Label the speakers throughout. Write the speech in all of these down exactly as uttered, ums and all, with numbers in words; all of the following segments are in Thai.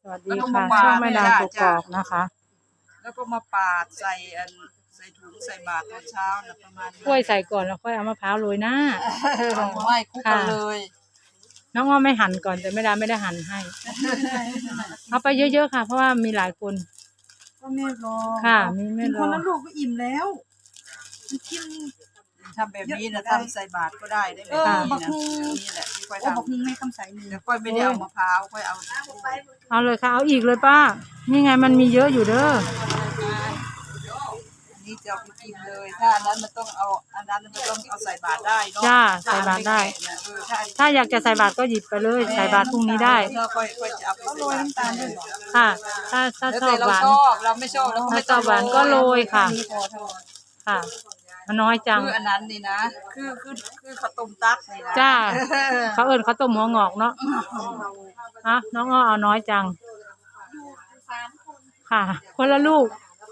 Speaker 1: วัสดีค่ะช่องแม่ดาวกกอกนะคะ
Speaker 2: แล้วก็มาปาดใส่อันใส่ถุงใส่บาตรตอนเช้านะประมาณ
Speaker 1: กล้วยใส่ก่อนแล้วค่อยเอามะพร้าวโรยหน้า
Speaker 2: ไม่คุกกันเลย
Speaker 1: น้องอ้อไม่หั่นก่อนแต่แม่ดาไม่ได้หั่นให้เอาไปเยอะๆค่ะเพราะว่ามีหลายคน
Speaker 2: ก็ไม่รอ
Speaker 1: ค่ะมีไม่รอ
Speaker 2: คนละลูกก็อิ่มแล้วกินทำแบบนี้นะทำใส่บาตรก็ได้ได้แบบนี้นะนี่แหละที่ค่อยทำบักฮุงไม่ทำใส่นี่แล้วค่อยไม่ได้เอามะพร้าวค่อยเอา
Speaker 1: เอาเลยค่ะเอาอีกเลยป้านี่ไงมันมีเยอะอยู่เด้อ
Speaker 2: นี่จะเอาไปกินเลยถ้าอันนั้นมันต้องเอาอันนั้นมันต้องเอาใส่บาตรได้เนาะ
Speaker 1: จ้าใส่บาตรได้ถ้าอยากจะใส่บาตรก็หยิบไปเลยใส่บาตรพรุ่งนี้ได้
Speaker 2: ค่อยค่อยจะเอาไปโรยน้ำตาลด้วย
Speaker 1: ค่ะถ้าถ้าชอบหวาน
Speaker 2: เราไม่ชอบเรา
Speaker 1: ไม่ชอบหวานก็โรยค่ะค่ะมันน้อยจัง
Speaker 2: คืออันนั้นนี่นะคือคือคือข้าวต้มตัดนี่นะ
Speaker 1: จ้าเขาเอิ้นข้าวต้มหัวงอกเนาะฮะน้องอ้อเอาน้อยจังค่ะคนละลูก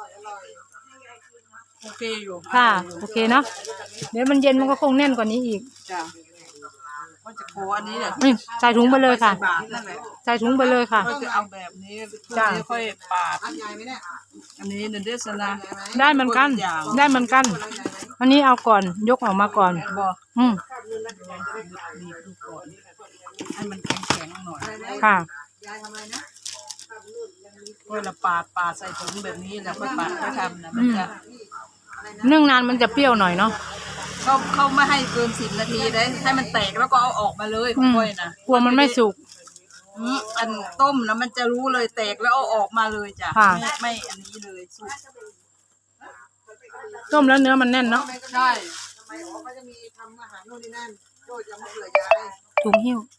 Speaker 2: โอเคอยู่
Speaker 1: ค่ะโอเคเนาะเดี๋ยวมันเย็นมันก็คงแน่นกว่านี้อีก
Speaker 2: จ้ะก็จะโคอันนี้แหละ
Speaker 1: ใส่ถุงไปเลยค่ะใส่ถุงไปเลยค่ะ
Speaker 2: ก็จะเอาแบบนี้จ้ะค่อยปาดอันใหญ่ไหมเนี่ยอันนี้เดซนะ
Speaker 1: ได้เหมือนกันได้เหมือนกันอันนี้เอาก่อนยกออกมาก่อน
Speaker 2: บอก
Speaker 1: อืม
Speaker 2: ให้มันแข็งๆหน่อย
Speaker 1: ค่ะ
Speaker 2: ยายทำอะไรนะก็ละปาดปาดใส่ถุงแบบนี้แล้วค่อยปาดค่อยทำนะมันจะ
Speaker 1: นึ่งนานมันจะเปรี้ยวหน่อยเนาะ
Speaker 2: เขาเขาไม่ให้เกินสิบนาทีได้ให้มันแตกแล้วก็เอาออกมาเลยค่อยนะ
Speaker 1: กลัวมันไม่สุก
Speaker 2: อันต้มแล้วมันจะรู้เลยแตกแล้วเอาออกมาเลยจ้ะไม่ไม่อันนี้เลยสุก
Speaker 1: ต้มแล้วเนื้อมันแน่นเนาะ
Speaker 2: ใช่ทำไมเขาก็จะมีทำอาหารโน่นนี่นั่นโดยจะมาเผื่อยาย
Speaker 1: ถุงหิ้ว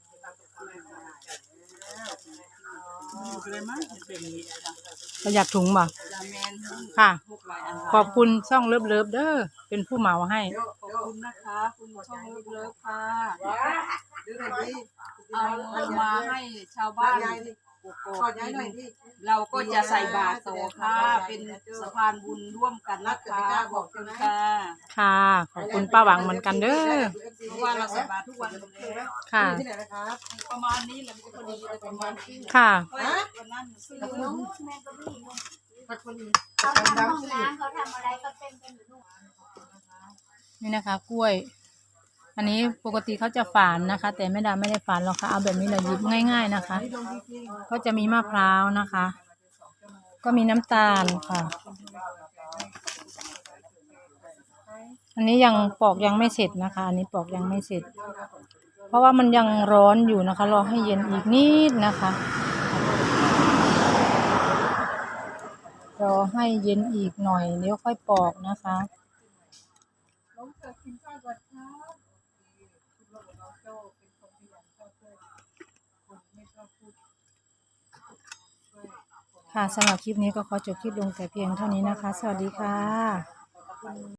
Speaker 1: ประหยัดถุงบ่ค่ะขอบคุณช่องเลิฟเลิฟเด้อเป็นผู้เหมาให้
Speaker 2: ขอบคุณนะคะคุณช่องเลิฟเลิฟค่ะเอามาให้ชาวบ้านเราก็จะใส่บาตรต่อค่ะเป็นสะพานบุญร่วมกันนะคะขอบคุณค่ะ
Speaker 1: ค่ะขอบคุณป้าหวังเหมือนกันเด้อ
Speaker 2: เพราะว่าเราใส่บาตรทุกวัน
Speaker 1: ค่ะ
Speaker 2: ประมาณนี้แหละพอดีประมาณนี้
Speaker 1: ค่ะ
Speaker 2: วันนั้นซื้อ
Speaker 1: นี่นะคะกล้วยอันนี้ปกติเขาจะฝานนะคะแต่แม่ดาไม่ได้ฝานหรอกค่ะเอาแบบนี้เลยหยิบง่ายๆนะคะก็จะมีมะพร้าวนะคะก็มีน้ำตาลค่ะอันนี้ยังปอกยังไม่เสร็จนะคะอันนี้ปอกยังไม่เสร็จเพราะว่ามันยังร้อนอยู่นะคะรอให้เย็นอีกนิดนะคะรอให้เย็นอีกหน่อยเดี๋ยวค่อยปอกนะคะค่ะสำหรับคลิปนี้ก็ขอจบคลิปลงแต่เพียงเท่านี้นะคะสวัสดีค่ะ